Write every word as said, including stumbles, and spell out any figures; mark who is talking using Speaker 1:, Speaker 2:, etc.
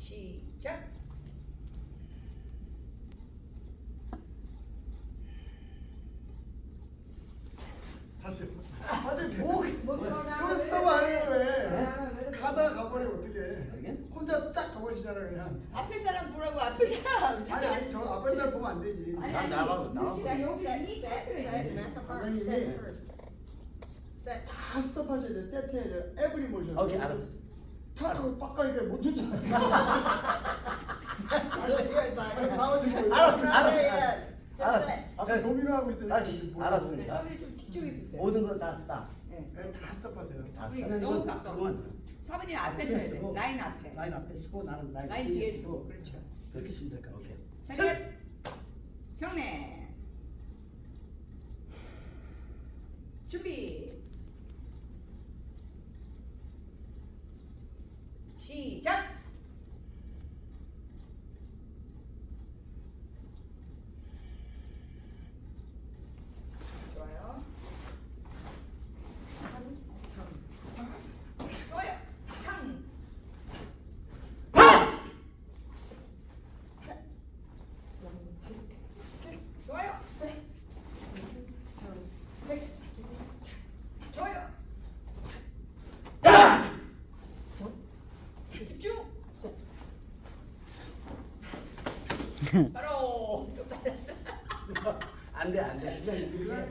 Speaker 1: 시작.
Speaker 2: 다시. 아니 뭐?
Speaker 1: 뭐
Speaker 2: 왜 스톱 안 해요 왜? 가다 가버리면 어떡해?
Speaker 3: 알겠?
Speaker 2: 혼자 쫙 가버리시잖아 그냥.
Speaker 1: 앞에 사람 보라고 앞에 사람.
Speaker 2: 아니 아니 저 앞에 사람 보면 안 되지.
Speaker 1: 아니,
Speaker 3: 난
Speaker 1: 아니,
Speaker 3: 나가고, 나가고.
Speaker 1: 여기 여기
Speaker 4: Set,
Speaker 1: 이
Speaker 4: set,
Speaker 1: 카드를
Speaker 4: set,
Speaker 1: 있지.
Speaker 4: master part,
Speaker 2: 선생님이
Speaker 4: set first. Set.
Speaker 2: 다 스톱하셔야 돼. 세트해야 돼. 에브리 모션.
Speaker 3: 오케이, 알았어.
Speaker 2: 탁 하고 빡 가니까 못 쫓잖아. 사원님 보여.
Speaker 3: 알았어, 알았어,
Speaker 4: Yeah,
Speaker 3: 알았어.
Speaker 4: just
Speaker 3: 알았어.
Speaker 4: set.
Speaker 2: 앞에 도미노하고 있어요.
Speaker 3: 다시,
Speaker 2: 뭐.
Speaker 3: 알았습니다.
Speaker 1: 사람이 좀 뒤쪽에 있으세요.
Speaker 3: 모든 걸 다 스탑.
Speaker 1: 네.
Speaker 2: 네, 다 스톱하세요.
Speaker 3: 다
Speaker 1: 그러니까
Speaker 3: 스탑.
Speaker 1: 너무 가까워.
Speaker 3: 그건
Speaker 1: 사모님 앞에
Speaker 5: 앞에
Speaker 1: 서야 돼.
Speaker 5: 쓰고,
Speaker 1: 라인 앞에.
Speaker 5: 라인 앞에 쓰고 나는 라인,
Speaker 1: 라인 뒤에 쓰고. 그렇죠.
Speaker 5: 그렇게 쓰면 될 것 같아요.
Speaker 3: 오케이.
Speaker 1: 차렷. 경례. 준비. 시작. 좋아요. 좋아요. 탕. 좋아요. 좋아요. 집중. 바로 좀 받았어.
Speaker 3: 안 돼, 안 돼.